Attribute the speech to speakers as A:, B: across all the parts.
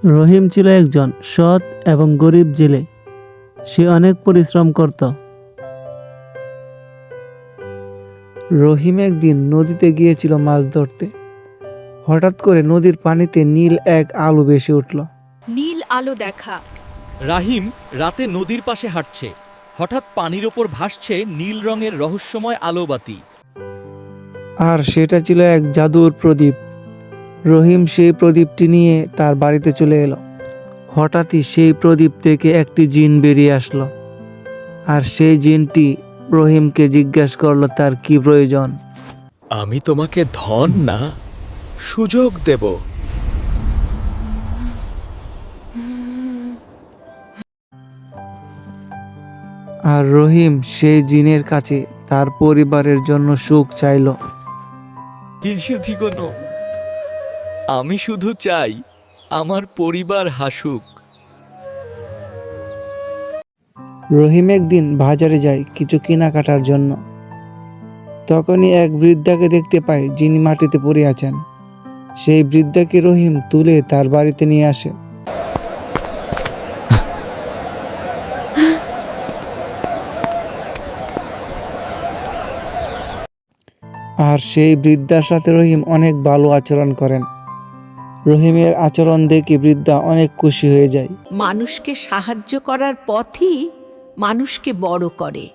A: রহিম ছিল একজন সৎ এবং গরিব জেলে। সে অনেক পরিশ্রম করত। রহিম একদিন নদীতে গিয়েছিল মাছ ধরতে। হঠাৎ করে নদীর পানিতে নীল এক আলো ভেসে উঠল।
B: নীল আলো দেখা।
C: রাহিম রাতে নদীর পাশে হাঁটছে। হঠাৎ পানির ওপর ভাসছে নীল রঙের রহস্যময় আলোবাতি।
A: আর সেটা ছিল এক জাদুর প্রদীপ। রহিম সেই প্রদীপটি নিয়ে তার বাড়িতে চলে এলো। হঠাৎই সেই প্রদীপ থেকে একটি জিন বেরিয়ে আসলো। আর সেই জিনটি রহিমকে জিজ্ঞাসা করলো তার কি প্রয়োজন।
C: আমি তোমাকে ধন না, সুযোগ দেব।
A: আর রহিম সেই জিনের কাছে তার পরিবারের জন্য সুখ চাইল।
C: আমি শুধু চাই আমার পরিবার হাসুক।
A: রহিম একদিন বাজারে যায় কিছু কেনাকাটার জন্য। তখনই এক বৃদ্ধাকে দেখতে পায় যিনি মাটিতে পড়ে আছেন। সেই বৃদ্ধাকে রহিম তুলে তার বাড়িতে নিয়ে আসে। আর সেই বৃদ্ধার সাথে রহিম অনেক ভালো আচরণ করেন। রহিমের আচরণ দেখে বৃদ্ধা অনেক খুশি হয়ে যায়।
B: মানুষকে সাহায্য করার পথই মানুষকে বড় করে।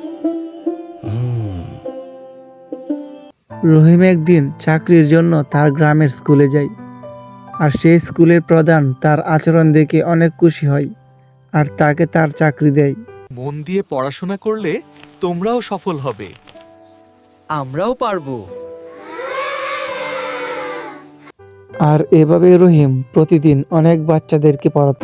A: রহিম একদিন চাকরির জন্য তার গ্রামের স্কুলে যায়। আর সেই স্কুলের প্রধান তার আচরণ দেখে অনেক খুশি হয় আর তাকে তার চাকরি দেয়।
C: মন দিয়ে পড়াশোনা করলে তোমরাও সফল হবে। আমরাও পারবো।
A: আর এভাবে রহিম প্রতিদিন অনেক বাচ্চাদেরকে পড়াতো।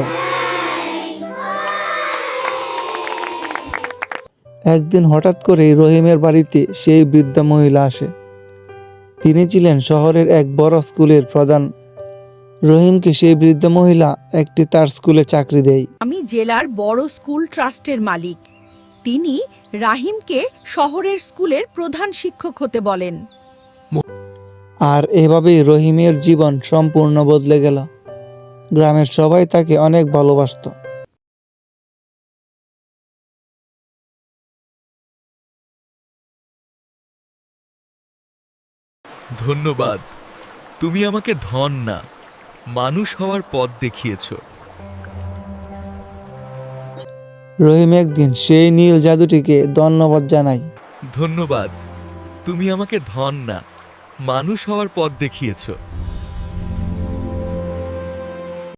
A: একদিন হঠাৎ করে রহিমের বাড়িতে সেই বৃদ্ধা মহিলা আসে। তিনি ছিলেন শহরের এক বড় স্কুলের প্রধান। রহিমকে সেই বৃদ্ধ মহিলা একটি তার স্কুলে চাকরি দেয়।
B: আমি জেলার বড় স্কুল ট্রাস্টের মালিক। তিনি রাহিমকে শহরের স্কুলের প্রধান শিক্ষক হতে বলেন।
A: আর এভাবেই রহিমের জীবন সম্পূর্ণ বদলে গেল। গ্রামের সবাই তাকে অনেক ভালোবাসতো।
C: ধন্যবাদ। তুমি আমাকে ধন না, মানুষ হওয়ার পথ দেখিয়েছ।
A: রহিম একদিন সেই নীল জাদুটিকে ধন্যবাদ জানায়।
C: ধন্যবাদ। তুমি আমাকে ধন না, মানুষ হওয়ার পথ দেখিয়েছ।